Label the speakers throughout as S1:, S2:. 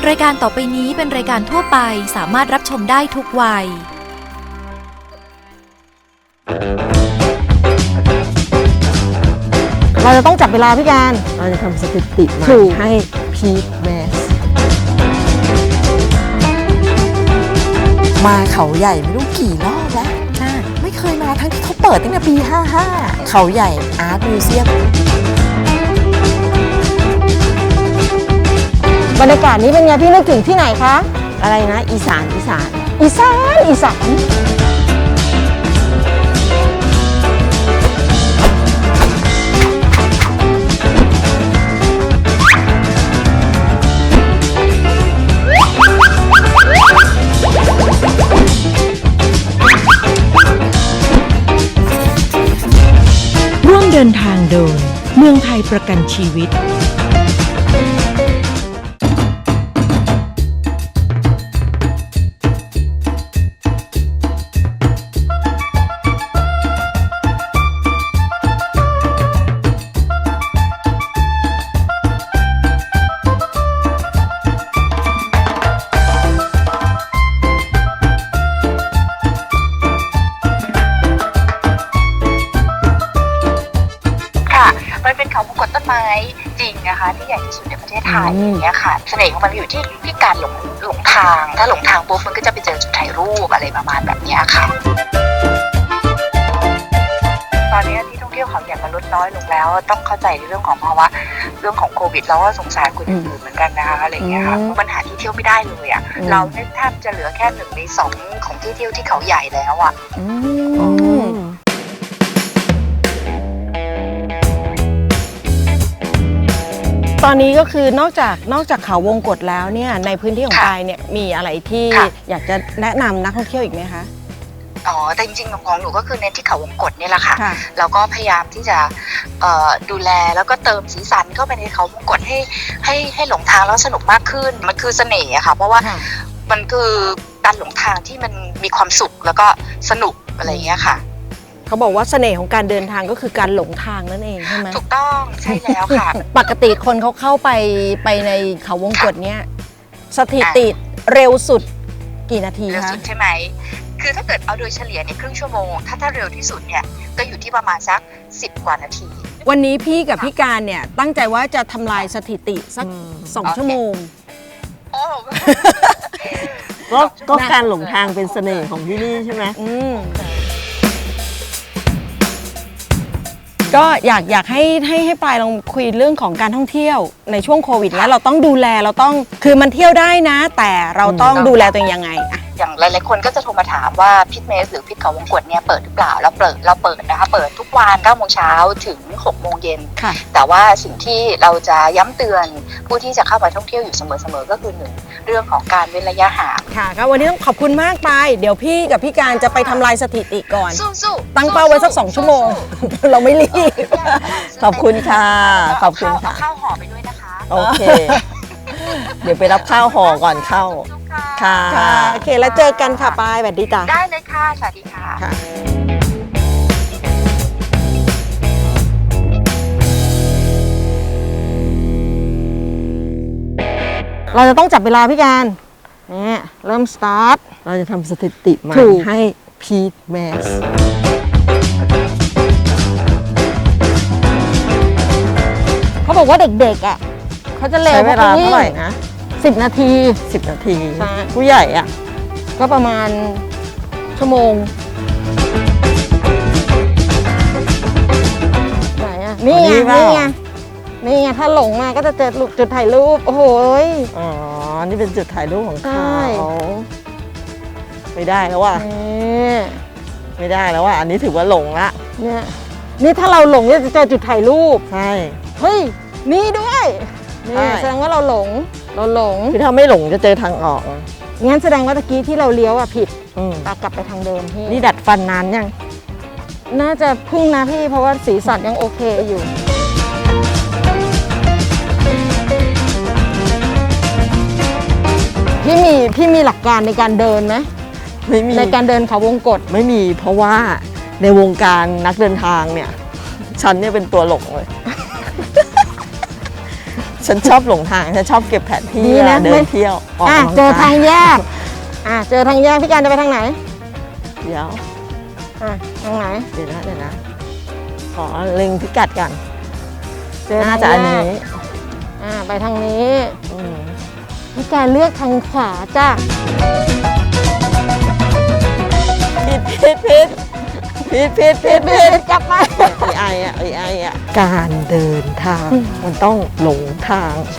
S1: รายการต่อไปนี้เป็นรายการทั่วไปสามารถรับชมได้ทุกวัย
S2: เราจะต้องจับเวลาพี่การ
S3: เราจะทำสถิติมาให้พีทแมสมาเขาใหญ่ไม่รู้กี่รอบแล้วไม่เคยมาทั้งที่เขาเปิดตั้งแต่ปี 55 เขาใหญ่อาร์ตมิวเซียม
S2: บรรยากาศนี้เป็นไงพี่นึกถึงที่ไหนคะ
S3: อะไรนะอีสาน
S4: ร่วมเดินทางโดยเมืองไทยประกันชีวิต
S5: มันเป็นเขาวงกตต้นไม้จริงนะคะที่ใหญ่ที่สุดในประเทศไทยอย่างเงี้ยค่ะเสน่ห์ของมันอยู่ที่การหลงทางถ้าหลงทางปุ๊บมันก็จะไปเจอจุดถ่ายรูปอะไรประมาณแบบนี้ค่ะตอนนี้ที่ท่องเที่ยวเขาใหญ่มันลดน้อยลงแล้วต้องเข้าใจในเรื่องของภาวะเรื่องของโควิดแล้วก็สงสารคนอื่นเหมือนกันนะคะอะไรเงี้ยค่ะปัญหาที่เที่ยวไม่ได้เลยอ่ะเราเนี่ยแทบจะเหลือแค่1 ใน 2ของที่เที่ยวที่เขาใหญ่แล้วอ่ะ
S2: ตอนนี้ก็คือนอกจากเขาวงกตแล้วเนี่ยในพื้นที่ของปายเนี่ยมีอะไรที่อยากจะแนะนำนักท่องเที่ยวอีกไหมคะ
S5: แต่จริงๆของหนูก็คือเน้นที่เขาวงกตนี่แหละค่ะแล้วก็พยายามที่จะดูแลแล้วก็เติมสีสันเข้าไปในเขาวงกตให้หลงทางแล้วสนุกมากขึ้นมันคือเสน่ห์อะค่ะเพราะว่ามันคือการหลงทางที่มันมีความสุขแล้วก็สนุกอะไรอย่างเงี้ยค่ะ
S2: เขาบอกว่าเสน่ห์ของการเดินทางก็คือการหลงทางนั่นเองใช่ไหม
S5: ถูกต้องใช่แล้วค่ะ
S2: ปกติคนเขาเข้าไปในเขาวงกตเนี้ยสถิติเร็วสุดกี่นาทีคะ
S5: เร็วสุดใช่ไหมคือถ้าเกิดเอาโดยเฉลี่ยเนี่ยครึ่งชั่วโมงถ้าเร็วที่สุดเนี่ยก็อยู่ที่ประมาณสัก10 กว่านาที
S2: วันนี้พี่กับพี่การเนี่ยตั้งใจว่าจะทำลายสถิติสัก2 ชั่วโมง
S3: ก็การหลงทางเป็นเสน่ห์ของที่นี่ใช่ไหม
S2: ก็อยากให้ปายลองคุยเรื่องของการท่องเที่ยวในช่วงโควิดแล้วเราต้องดูแลเราต้องคือมันเที่ยวได้นะแต่เราต้องดูแลตัวเองยังไงอะ
S5: อย่างหลายๆคนก็จะโทรมาถามว่าพิทเมสหรือพิทเขาวงกตเนี่ยเปิดหรือเปล่าเราเปิดนะคะเปิดทุกวัน9 โมงเช้าถึง6 โมงเย็นแต่ว่าสิ่งที่เราจะย้ำเตือนผู้ที่จะเข้ามาท่องเที่ยวอยู่เสมอก็คือ1เรื่องของการเว้นระยะห่าง
S2: ค่ะก็วันนี้ต้องขอบคุณมากไปเดี๋ยวพี่กับพี่การจะไปทำลายสถิติก่อน
S5: สู้
S2: ตั้งเป้าไว้สัก2 ชั่วโมงเราไม่รีบ
S3: ขอบคุณค่ะขอบคุณค่ะ
S5: ข้าวห่อไปด้วยนะคะ
S3: โอเคเดี๋ยวไปรับข้าวห่อก่อนเข้าค่ะ
S2: โอเคแล้วเจอกันค่ะปายสวัสดีจ้ะ
S5: ได้เลยค่ะสวัสดีค่ะ
S2: เราจะต้องจับเวลาพี่การนี่เริ่มสตาร์ท
S3: เราจะทำสถิติมาให้พีทแมส
S2: เขาบอกว่าเด็กๆอ่ะเขาจะเร็ว
S3: ใช้เวลาเท่าไหร่นะ
S2: 10 นาที
S3: ผู้ใหญ่อ่ะ
S2: ก็ประมาณชั่วโมงไหนอ่ะนี่ไงถ้าหลงมาก็จะเจอจุดถ่ายรูปโอ้โห
S3: อ๋อนี่เป็นจุดถ่ายรูปของเขาไม่ได้แล้วว่ะไม่ได้แล้วว่ะอันนี้ถือว่าหลงละ
S2: นี่ถ้าเราหลงจะเจอจุดถ่ายรูป
S3: ใช่
S2: เฮ้ยนี่ด้วยนี่แสดงว่าเราหลง
S3: คือถ้าไม่หลงจะเจอทางออก
S2: งั้นแสดงว่าตะกี้ที่เราเลี้ยวผิดกลับไปทางเดิมพี่
S3: นี่ดัดฟันนานยัง
S2: น่าจะพึ่งนะพี่เพราะว่าสีสันยังโอเคอยู่พี่มีหลักการในการเดินไหม
S3: ไม่มี
S2: ในการเดินเขาวงกต
S3: ไม่มีเพราะว่าในวงการนักเดินทางเนี่ยฉันเนี่ยเป็นตัวหลงเลยฉันชอบหลงทางฉันชอบเก็บแผนที่
S2: ดีนะ
S3: เดินเที่ยวออก
S2: อ่ะ
S3: กำลัง
S2: เจอก
S3: ย
S2: ทางแยกเจอทางแยกพี่การจะไปทางไหน
S3: เดี๋ยว
S2: ทางไหน
S3: เดี๋ยวนะขอเล็งพิกัดก่อน
S2: เจอ
S3: น่า
S2: ทาง
S3: จะอัน
S2: แย
S3: นี้
S2: กไปทางนี้
S3: อืม
S2: พี่การเลือกทางขวาจ้ะ
S3: ผิดกลับมาไออะการเดินทางมันต้องหลงทาง
S2: ใช่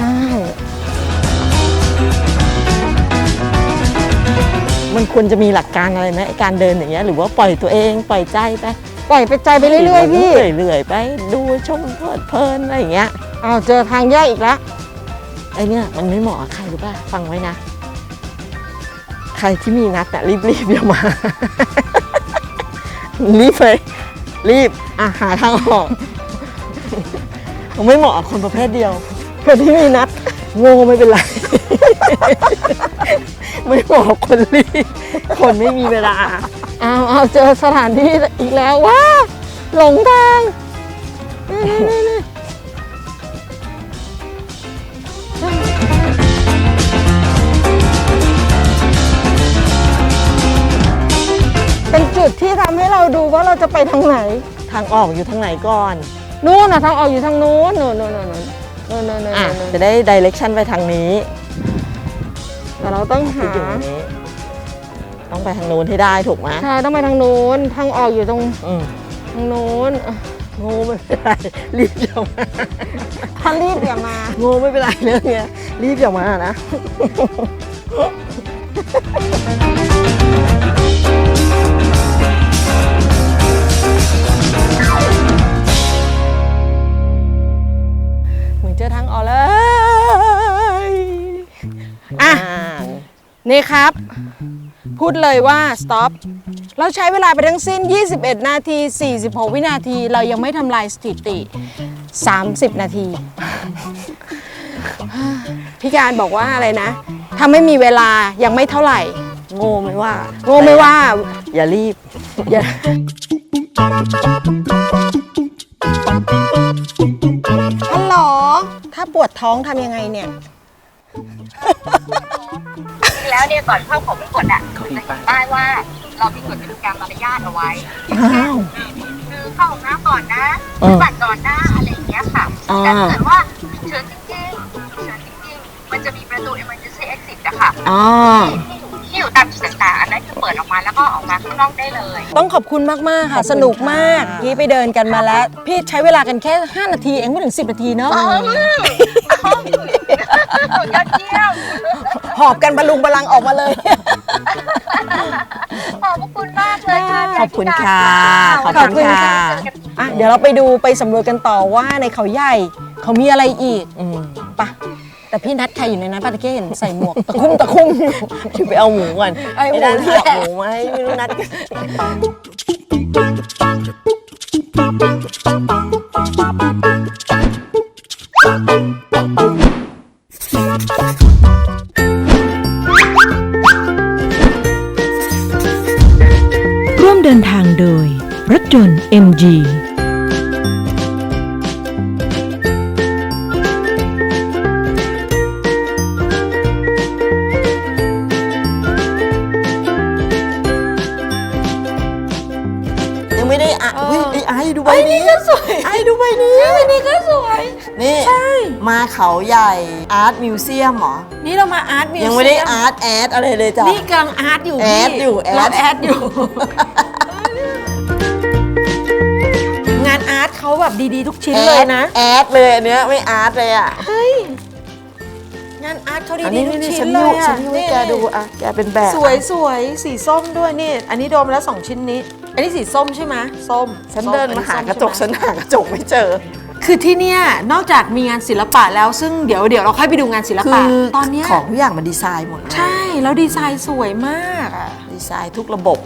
S3: มันควรจะมีหลักการอะไรไหมไอ้การเดินอย่างเงี้ยหรือว่าปล่อยตัวเองปล่อยใจไป
S2: ปล่อยไปใจไปเรื่อยๆพี่
S3: เรื่อยๆไปดูชมเพลินอะไรอย่างเงี้ย
S2: เจอทางแยกอีกแล้ว
S3: ไอเนี่ยมันไม่เหมาะกับใครหรือเปล่าฟังไว้นะ ใครที่มีนัดอะรีบอย่ามา รีบเลยรีบหาทางออกไม่เหมาะกับคนประเภทเดียวคนที่มีนัดโง่ไม่เป็นไร ไม่เหมาะกับคนรีบคนไม่มีเวลา
S2: เจอสถานที่อีกแล้วว้าหลงทางนี่เป็นจุดที่ทำให้เราดูว่าเราจะไปทางไหน
S3: ทางออกอยู่ทางไหนก่อน
S2: นู่นทางออกอยู่ทางนู้นนู่น
S3: จะได้ดิเรกชันไปทางนี้
S2: แต่เราต้องหา
S3: อยู่ตรงนี้ต้องไปทางนู้นให้ได้ถูกไหม
S2: ใช่ต้องไปทางนู้นทางออกอยู่ตรง ทางนู้น
S3: โง่ไม่เป็นไรรีบอย่ามา
S2: ถ้ารีบอย่ามา
S3: โง่ไม่เป็นไรเรื่องเนี้ยรีบอย่ามานะ
S2: เหมือนเจอทางออกเลยนี่ครับ พูดเลยว่า stop เราใช้เวลาไปทั้งสิ้น 21 นาที 46 วินาที เรายังไม่ทำลายสถิติ 30 นาที พี่การบอกว่าอะไรนะ ถ้าไม่มีเวลายังไม่เท่าไหร่
S3: โง่ไม่ว่า
S2: โง่ไม่ว่า
S3: อย่ารีบ
S2: อย่าฮัลโหลถ้าปวดท้องทำยังไงเนี่ย
S5: จริงแล้วเนี่ยก่อนเข้าของมงกฎอ่ะจะเห็นป้ายว่าเรามีกฎกติกามารยาทเอาไว้คือเข้าห้องน้ำก่อนนะบัตรก่อนนะอะไรอย่างเงี้ยค่ะแต่ถ้าเกิดว่าฉุกเฉินจริงๆมันจะมีประตู emergency exit อะค่ะที่อยู่ตามจุดต่างๆอันนั้นคือเปิดออกมาแล้วก็ออกมาข้างนอกได้เลย
S2: ต้องขอบคุณมาก ๆ ค่ะ สนุกมากพี่ไปเดินกันมาแล้ว พี่ใช้เวลากันแค่ 5 นาทีเองไม่ถึง 10 นาทีเนาะ
S5: ยอดเยี่ยม
S2: หอบกันบรรลุงบรรลังออกมาเลย
S5: ขอบคุณมากเลยค่ะ
S3: ขอบคุณค่ะ
S2: ขอบคุณค่ะ เดี๋ยวเราไปดูไปสำรวจกันต่อว่าในเขาใหญ่เขามีอะไรอีกปะแต่พี่นัดใครอยู่ในนั้นป้าตะเกียเห็นใส่หมวกตะคุ่ม
S3: จะไปเอาหมูก่อน
S2: ไอ้หมู
S3: ด้าน
S2: แห
S3: หั
S2: ละ
S3: กหมูไหมไม่รู้นัด
S4: ร่วมเดินทางโดยรถยนต์ MG
S3: ยังไม่ได้ไอ้ดูใบนี้ก็สวยไอ้ดูใบนี้นี่ก็สวยนี่มาเขาใหญ่อาร์ตมิวเซียมเหรอ
S2: นี่เรามาอาร์ตมิวเซียม
S3: ยังไม่ได้อาร์ตแอดอะไรเลยจ้ะ
S2: นี่กำลังอาร์ตอยู่
S3: แอดอยู่
S2: เราแอดอยู่ งานอาร์ตเขาแบบดีๆทุกชิ้นเลยนะ
S3: แอดเลยอันเนี้ยไม่อาร์ตเลยอ่ะ
S2: งานอาร์ตเขา
S3: อัน
S2: ดี
S3: นี้
S2: ๆทุก
S3: นี่
S2: ชิ้
S3: ฉั
S2: น
S3: น
S2: เล
S3: ยู
S2: ย
S3: ฉั
S2: อ่ะ
S3: นยูให้แกดูอ่ะแกเป็นแบบ
S2: สวยสีส้มด้วยนี่ อันนี้โดมแล้ว2ชิ้นนี้ อันนี้สีส้มใช่ไหมส้ม
S3: ฉันเดินมาหากระจก
S2: ใช่
S3: ฉั
S2: ไหม
S3: นหากระจกไม่เจอ
S2: คือที่เนี่ยนอกจากมีงานศิลปะแล้วซึ่งเดี๋ยวเราค่อยไปดูงานศิล
S3: คื
S2: ปะ
S3: อ
S2: ตอนเนี้ย
S3: ของทุกอย่างมันดีไซน์หมดเลย
S2: ใช่แล้วดีไซน์สวยมากอ่ะ
S3: ดีไซน์ทุกระบบ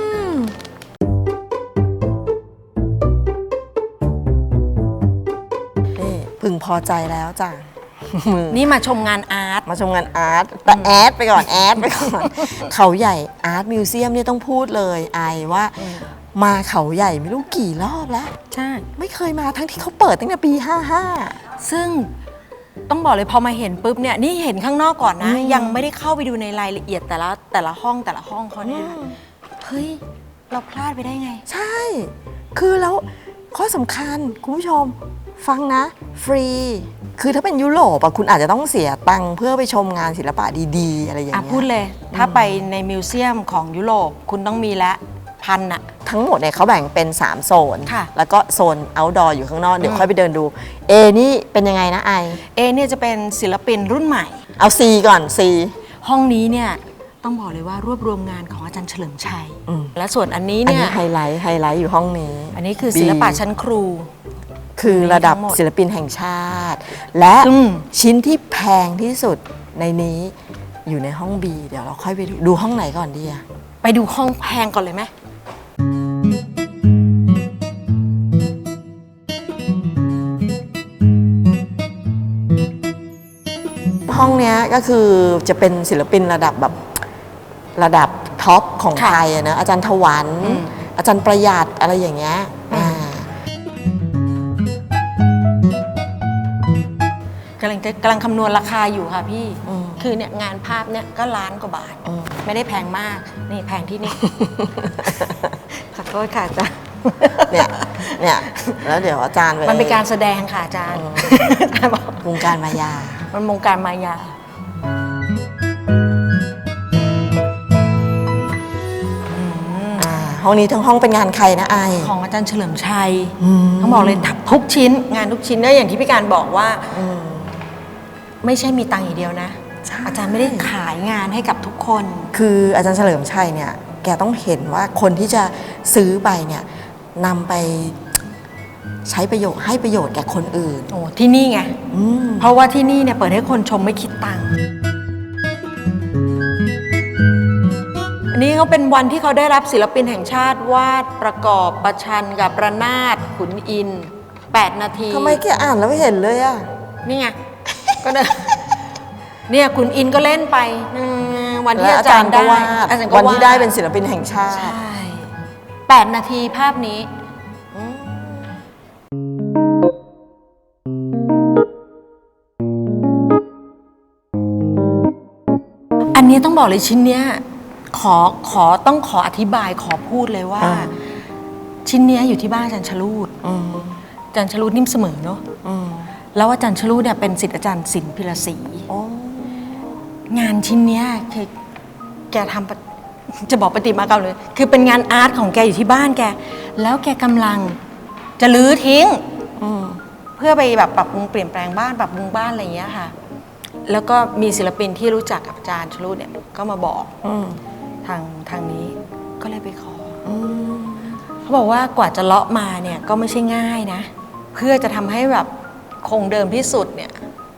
S3: นี่พึงพอใจแล้วจ้ะ
S2: นี่มาชมงานอาร์ต
S3: มาชมงานอาร์ตแต่แอดไปก่อนแอดไปก่อน เขาใหญ่อาร์ตมิวเซียมเนี่ยต้องพูดเลยไอว่ามาเขาใหญ่ไม่รู้กี่รอบแล้ว
S2: ใช่
S3: ไม่เคยมาทั้งที่เขาเปิดตั้งแต่ปี 55
S2: ซึ่งต้องบอกเลยพอมาเห็นปุ๊บเนี่ยนี่เห็นข้างนอกก่อนนะ ยังไม่ได้เข้าไปดูในรายละเอียดแต่ละห้องเขาเนี่ยเฮ้ยเราพลาดไปได้ไง
S3: ใช่ คือแล้วข้อสำคัญคุณผู้ชมฟังนะฟรีคือถ้าเป็นยุโรปอะคุณอาจจะต้องเสียตังค์เพื่อไปชมงานศิลปะดีๆอะไรอย่างเงี้ย
S2: พูดเลยถ้าไปในมิวเซียมของยุโรปคุณต้องมีละพันอะ
S3: ทั้งหมดเนี่ยเขาแบ่งเป็น 3 โซน
S2: ค่ะ
S3: แล้วก็โซน outdoor อยู่ข้างนอก เดี๋ยวค่อยไปเดินดู A นี่เป็นยังไงนะไอ
S2: เนี่ยจะเป็นศิลปินรุ่นใหม่
S3: เอา C ก่อน C
S2: ห้องนี้เนี่ยต้องบอกเลยว่ารวบรวมงานของอาจารย์เฉลิมชัย และส่วนอันนี้
S3: อัน
S2: เนี่ย
S3: นี้ไฮไลท์อยู่ห้องนี้
S2: อันนี้คือศิลปะชั้นครู
S3: คือระดับ
S2: ทั้งหมด
S3: ศิลปินแห่งชาติ และ
S2: อืม
S3: ชิ้นที่แพงที่สุดในนี้อยู่ในห้อง B เดี๋ยวเราค่อยไปดูห้องไหนก่อนดีอะ
S2: ไปดูห้องแพงก่อนเลยไหม
S3: ห้องเนี้ยก็คือจะเป็นศิลปินระดับแบบระดับท็อปของไทยอะนะอาจารย์ถวัน อาจารย์ประหยัดอะไรอย่างเงี้ย
S2: กำลังคำนวณราคาอยู่ค่ะพี่ คือเนี่ยงานภาพเนี่ยก็ล้านกว่าบาท ไม่ได้แพงมาก นี่แพงที่นี่ ขอโทษค่ะอาจารย์
S3: เนี่ยแล้วเดี๋ยวอาจารย์
S2: มันเป็นการแสดงค่ะอาจารย์
S3: วงการมายา
S2: มันวงการมายา
S3: ห้องนี้ทั้งห้องเป็นงานใครนะไอ
S2: ของอาจารย์เฉลิมชัยต้องบอกเลยทุกชิ้น งานทุกชิ้นเนี่ยอย่างที่พี่การบอกว่าไม่ใช่มีตังค์อย่างเดียวนะ อาจารย์ไม่ได้ขายงานให้กับทุกคน
S3: คืออาจารย์เฉลิมชัยเนี่ยแกต้องเห็นว่าคนที่จะซื้อไปเนี่ยนำไปใช้ประโยชน์ให้ประโยชน์แก่คนอื่น
S2: โอ้ที่นี่ไงเพราะว่าที่นี่เนี่ยเปิดให้คนชมไม่คิดตังค์อันนี้เขาเป็นวันที่เขาได้รับศิลปินแห่งชาติวาดประกอบประชันกับระนาดขุนอินทร์8 นาที
S3: ทำไมแกอ่านแล้วไม่เห็นเลยอะ
S2: นี่ไง ก็เนี่ยขุนอินทร์ก็เล่นไปวันที่อาจารย์ได้อาจารย์ก็
S3: วันที่ได้เป็นศิลปินแห่งชาติ
S2: ใช่8 นาทีภาพนี้ อันนี้ต้องบอกเลยชิ้นเนี้ยต้องขออธิบายขอพูดเลยว่า ชิ้นเนี้ยอยู่ที่บ้านอาจารย์ชลูดอาจารย์ชลูดนิ่มเสมอเนาะแล้วอาจารย์ชลูดเนี่ยเป็นศิษย์อาจารย์ศิลป์พิรศรีงานชิ้นเนี้ยคือแกทำจะบอกปฏิมากรรมเลย คือเป็นงานอาร์ตของแกอยู่ที่บ้านแกแล้วแกกำลังจะรื้อทิ้งเพื่อไปแบบปรับปรุงเปลี่ยนแปลงบ้านปรับปรุงบ้านอะไรอย่างเงี้ยค่ะแล้วก็มีศิลปินที่รู้จักกับอาจารย์ชลูดเนี่ยก็มาบอกทางนี้ก็เลยไปขอเขาบอกว่ากว่าจะเลาะมาเนี่ยก็ไม่ใช่ง่ายนะเพื่อจะทำให้แบบคงเดิมที่สุดเนี่ย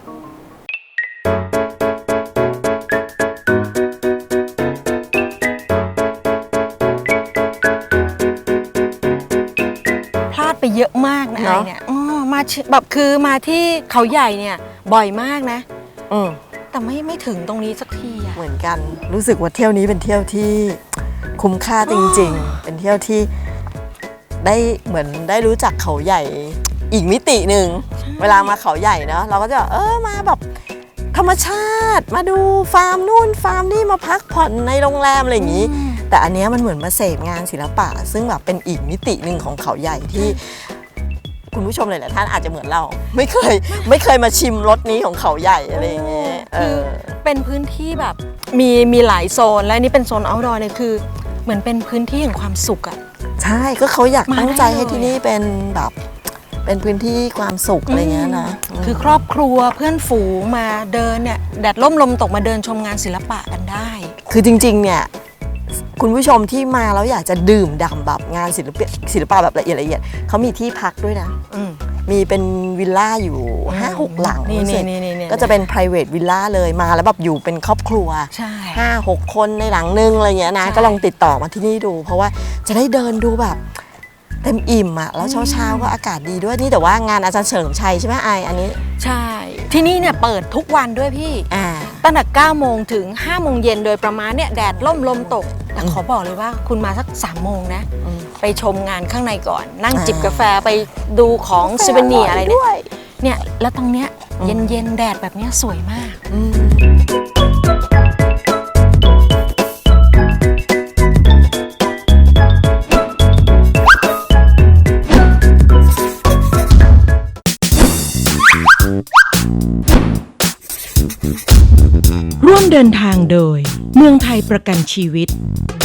S2: พลาดไปเยอะมากนะไอ้เนี่ยมาแบบคือมาที่เขาใหญ่เนี่ยบ่อยมากนะแต่ไม่ถึงตรงนี้สักทีอะ
S3: เหมือนกันรู้สึกว่าเที่ยวนี้เป็นเที่ยวที่คุ้มค่าจริงๆ เป็นเที่ยวที่ได้เหมือนได้รู้จักเขาใหญ่อีกมิติหนึ่งเวลามาเขาใหญ่เนาะเราก็จะมาแบบธรรมชาติมาดูฟาร์มนู่นฟาร์มนี่มาพักผ่อนในโรงแรมอะไรอย่างนี้แต่อันเนี้ยมันเหมือนมาเสพงานศิลปะซึ่งแบบเป็นอีกมิติหนึ่งของเขาใหญ่ที่คุณผู้ชมหลายๆท่านอาจจะเหมือนเราไม่เคยมาชิมรสนี้ของเขาใหญ่อะไรอย่างเงี้ย
S2: คือเป็นพื้นที่แบบมีหลายโซนและนี่เป็นโซน outdoor เนี่ยคือเหมือนเป็นพื้นที่แห่งความสุขอะ
S3: ใช่ก็เขาอยากตั้งใจให้ที่นี่เป็นแบบเป็นพื้นที่ความสุขอะไรเงี้ยนะ
S2: คือครอบครัวเพื่อนฝูงมาเดินเนี่ยแดดร่มลมตกมาเดินชมงานศิลปะกันได้
S3: คือจริงๆเนี่ยคุณผู้ชมที่มาแล้วอยากจะดื่มด่ำแบบงานศิลปะแบบละเอียดเขามีที่พักด้วยนะมีเป็นวิลล่าอยู่ 5-6 หลังก็จะเป็น private villa เลยมาแล้วแบบอยู่เป็นครอบครัว 5-6 คนในหลังนึงอะไรเงี้ยนะก็ลองติดต่อมาที่นี่ดูเพราะว่าจะได้เดินดูแบบเต็มอิ่มอะแล้วเช้าก็อากาศดีด้วยนี่แต่ว่างานอาจารย์เฉลิมชัยใช่ไหมไออันนี้
S2: ใช่ที่นี่เนี่ยเปิดทุกวันด้วยพี่ตั้งแต่ 9 โมงถึง 5 โมงเย็นโดยประมาณเนี่ยแดดร่มลมตกแต่ขอบอกเลยว่าคุณมาสัก 3 โมงนะไปชมงานข้างในก่อนนั่งจิบกาแฟไปดูของซูเวเนียร์อะไรเนี่ยแล้วตรงเนี้ยเย็นๆแดดแบบเนี้ยสวยมาก
S4: ร่วมเดินทางโดยเมืองไทยประกันชีวิต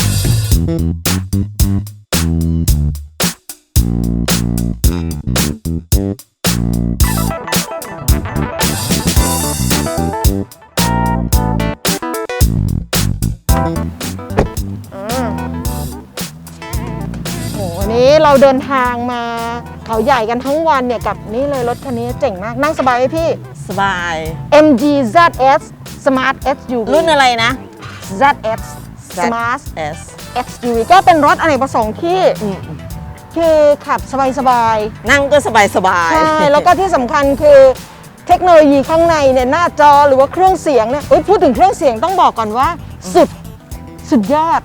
S2: โหวันนี้เราเดินทางมาเขาใหญ่กันทั้งวันเนี่ยกับนี่เลยรถคันนี้เจ๋งมากนั่งสบายไหมพี่
S3: สบาย
S2: MG ZS Smart SUV
S3: รุ่นอะไรนะ
S2: ZS Smart
S3: S
S2: SUV ก็เป็นรถอเนกประสงค์ที่คือขับสบาย
S3: นั่งก็สบายสบา
S2: ๆ
S3: ย
S2: ใช่แล้วก็ที่สำคัญคือเทคโนโลยีข้างในเนี่ยหน้าจอหรือว่าเครื่องเสียงเนี่ยพูดถึงเครื่องเสียงต้องบอกก่อนว่าสุดยอด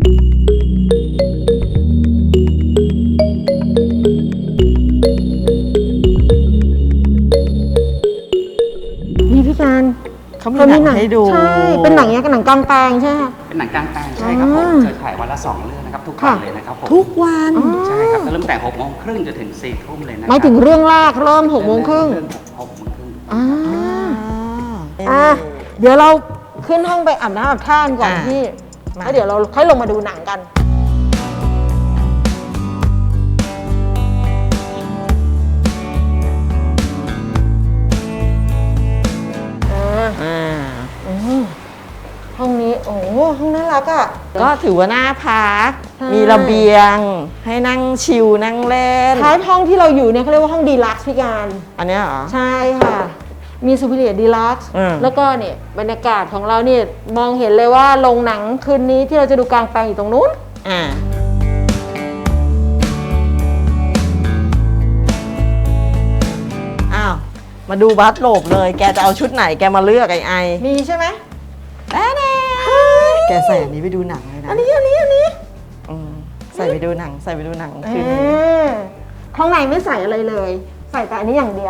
S2: นี่พี่การ
S3: เขามีหนังให้ดู
S2: ใช่เป็นหนังยังกับหนังกลางแปลงใช่ไหม
S6: เป็นหนังกลางแปลงใช่ครับผม เคยถ่ายวันละ 2 เรื่องนะครับ ทุกวันเลยนะครับผม
S3: ทุกวัน
S6: ใช่ครับเริ่มแต่6 โมงครึ่งจนถึง4 ทุ่มเลยนะ
S2: หมายถึงเรื่องแรกเริ่ม6 โมงครึ่ง
S6: เรื่อง6 โมงครึ่ง
S2: เดี๋ยวเราขึ้นห้องไปอาบน้ำอาบท่าก่อน
S3: อ่า
S2: พี่
S3: มา
S2: แล้วเดี๋ยวเราค่อยลงมาดูหนังกัน ห้องนี้ โอ้โหห้องน่ารักอ่ะ
S3: ก็ถือว่าน่าพัก
S2: ใช่
S3: มีระเบียง ให้นั่งชิลนั่งเล่น
S2: ท้ายห้องที่เราอยู่เนี่ยเขาเรียกว่าห้องดีลักซ์พี่การ
S3: อันเนี้ยเหรอ
S2: ใช่ค่ะ มีซูเปอร์เรียดีลักซ์
S3: อืม
S2: แล้วก็เนี่ยบรรยากาศของเราเนี่ยมองเห็นเลยว่าโรงหนังคืนนี้ที่เราจะดูกลางแปลงอยู่ตรงนู้น
S3: อ้าว มาดูบัสโหลบเลย แกจะเอาชุดไหนแกมาเลือกไอ
S2: มีใช่ไหม
S3: แกใส่อันนี้ไปดูหนังเลยนะ
S2: อันนี้
S3: อืมใส่ไปดูหนังคืนนี้
S2: ข้างในไม่ใส่อะไรเลย ใส่แต่อันนี้อย่างเดียว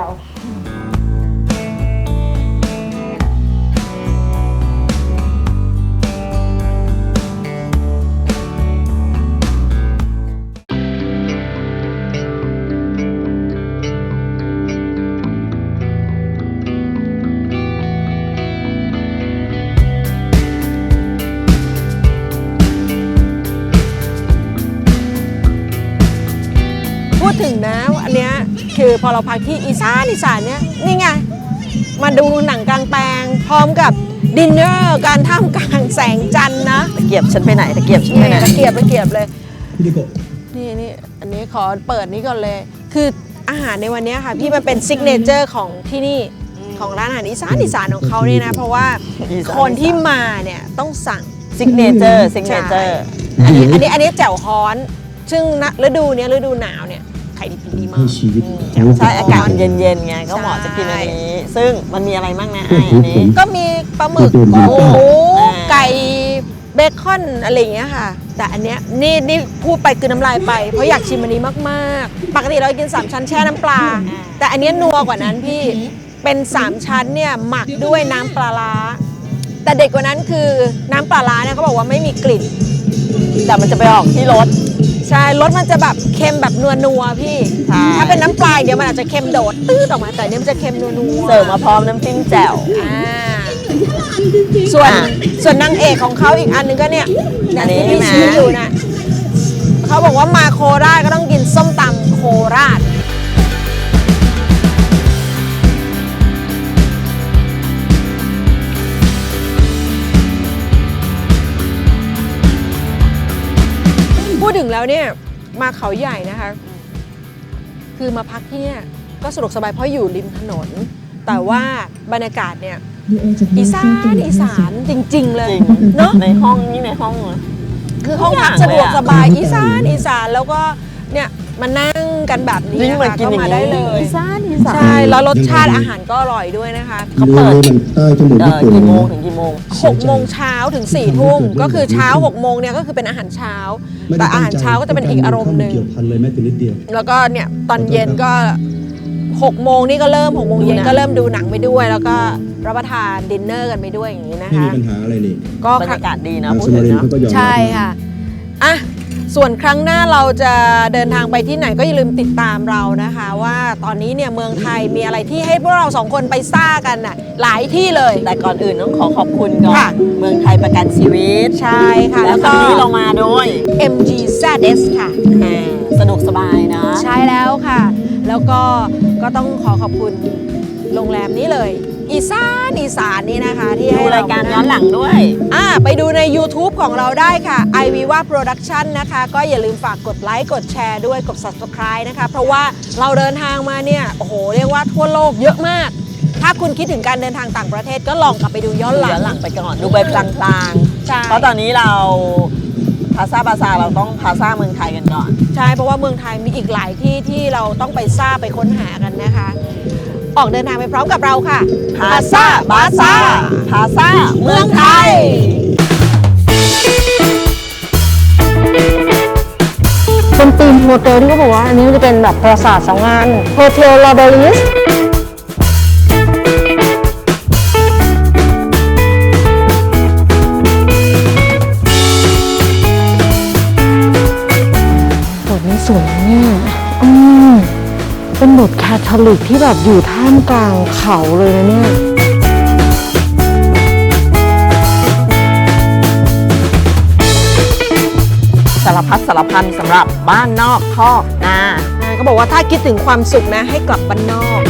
S2: พูดถึงนะอันเนี้ยคือพอเราพักที่อีสานเนี่ยนี่ไงมาดูหนังกลางแปลงพร้อมกับดินเนอร์การท่ามกลางแสงจันทร์นะ
S3: ตะเกียบฉันไปไหนตะเกียบฉันไปไหน
S2: ตะเกียบเลยนี่อันนี้ขอเปิดนี้ก่อนเลย คืออาหารในวันนี้ค่ะพี่มันเป็นซิกเนเจอร์ของที่นี่ของร้านอาหารอีสานของเขาเนี่ยนะเพราะว่าคนที่มาเนี่ยต้องสั่ง
S3: ซิกเนเจอร์
S2: อันนี้แจ่วฮ้อน ซึ่งฤดูหนาวเนี่ยขายดีมาก
S3: ใช่อากาศเย็นๆไงก็เหมาะจะกินอันนี้ ซึ่งมันมีอะไรบ้างนะไออันนี้
S2: ก็มีปลาหมึกกุ้งหมูไก่เบคอนอะไรอย่างเงี้ยค่ะ แต่อันเนี้ยนี่พูดไปคือน้ำลายไป เพราะอยากชิมอันนี้มากๆ ปกติเรากิน3ชั้นแช่น้ำปลา แต่อันเนี้ยนัวกว่านั้นพี่เป็น3ชั้นเนี่ยหมักด้วยน้ำปลาร้าแต่เด็ดกว่านั้นคือน้ำปลาร้าเนี่ยเขาบอกว่าไม่มีกลิ่น
S3: แต่มันจะไปออกที่รส
S2: ใช่รสมันจะแบบเค็มแบบนัวๆพี่
S3: ใช่
S2: ถ้าเป็นน้ำปลาเดี๋ยวมันอาจจะเค็มโดดตื้ดออกมาแต่อันเนี้ยมันจะเค็มนัวๆ
S3: เสิร์ฟมาพร้อมน้ำจิ้มแจ่ว
S2: ส่วนนางเอกของเขาอีกอันนึงก็เนี่ย
S3: อันนี้
S2: ที่พี่
S3: ใช่ไหม
S2: ชี้อยู่นะเขาบอกว่ามาโคราชก็ต้องกินส้มตำโคราชพูดถึงแล้วเนี่ยมาเขาใหญ่นะคะ คือมาพักที่เนี่ยก็สะดวกสบายเพราะอยู่ริมถนน แต่ว่าบรรยากาศเนี่ยอีสานจริง ๆ เลย
S3: จริง
S2: เนาะ
S3: ในห้องนี่ในห้องเหรอ
S2: คือห้องพักสะดวกสบายอีสานแล้วก็เนี่ยมานั่งกันแบบนี้
S3: ยิ่ง
S2: นะ
S3: เหมือน
S2: คะ
S3: กิน
S2: ก็
S3: อย่าง
S2: มา
S3: นี้
S2: ได้เลย
S3: อีสาน
S2: ใช่แล้วรสชาติอาหารก็อร่อยด้วยนะคะ
S3: เขาเปิด
S7: ใต้จมูกญี่ปุ่น
S3: กี่โมงถึงกี่โมง
S2: 6 โมงเช้าถึง 4 ทุ่มก็คือเช้า 6 โมงเนี่ยก็คือเป็นอาหารเช้า แต่อาหารเช้าก็จะเป็นอีกอารมณ์หนึ่ง
S7: เกี่ยวพันเลยแม้แต่นิดเดียว
S2: แล้วก็เนี่ยตอนเย็นก็ 6 โมงนี่ก็เริ่ม6 โมงเย็นก็เริ่มดูหนังไปด้วย แล้วก็รับประทานดินเนอร์กันไปด้วยอย่างนี้นะ
S7: ไม่มี
S2: คะ
S7: ปัญหาอะไรนี่
S2: ก็
S3: บรรยากาศดีนะ
S7: ทาง
S3: พู
S7: ส
S3: ด
S7: มา
S3: ถึง
S7: ริน
S3: เนาะ
S7: เขาก็ยอมรับ
S2: ใช่ค่ะอ่ะ ส่วนครั้งหน้าเราจะเดินทางไปที่ไหนก็อย่าลืมติดตามเรานะคะ ว่าตอนนี้เนี่ยเมืองไทยมีอะไรที่ให้พวกเรา2 คนไปซ่ากันน่ะหลายที่เลย
S3: แต่ก่อนอื่นต้องขอขอบคุณก่อ
S2: ค่ะ
S3: นเมืองไทยประกันชีวิต
S2: ใช่ค่ะ
S3: แล้วครั้งนี้เรามาโดย
S2: MGZS ค่ะ
S3: สะดวกสบายนะ
S2: ใช่แล้วค่ะ แล้วก็ต้องขอขอบคุณโรงแรมนี้เลย อีสานนี่นะคะที่
S3: ดู
S2: ให้
S3: รายการย้อนหลังด้วย
S2: ไปดูใน YouTube ของเราได้ค่ะ iViva Production นะคะ ก็อย่าลืมฝากกดไลค์กดแชร์ด้วยกด Subscribe นะคะ เพราะว่าเราเดินทางมาเนี่ย โอ้โห เรียกว่าทั่วโลกเยอะมาก ถ้าคุณคิดถึงการเดินทางต่างประเทศก็ลองกลับไปดูย้อนหลั
S3: ย้อน
S2: ง
S3: หลังไปก่อน ดูไปพลาง
S2: ใช่
S3: ๆ เพราะตอนนี้เราพาซาบาซาเราต้องพาซาเมืองไทยกันก่อน
S2: ใช่ เพราะว่าเมืองไทยมีอีกหลายที่ที่เราต้องไปซ่าไปค้นหากันนะคะ ออกเดินทางไปพร้อมกับเราค่ะ
S3: พาซาบาซาพาซาเมืองไทย
S2: เป็นธีมโฮเทลที่เขาบอกว่าอันนี้จะเป็นแบบปราสาทสองงานโฮเทลลาเบลิสบทนี้สวยเนี่ยเป็นบทแคทอลิกที่แบบอยู่ท่ามกลางเขาเลยนะเนี่ย
S3: สารพัดสารพันสำหรับบ้านนอกคอกนา
S2: ก็บอกว่าถ้าคิดถึงความสุขนะให้กลับบ้านนอก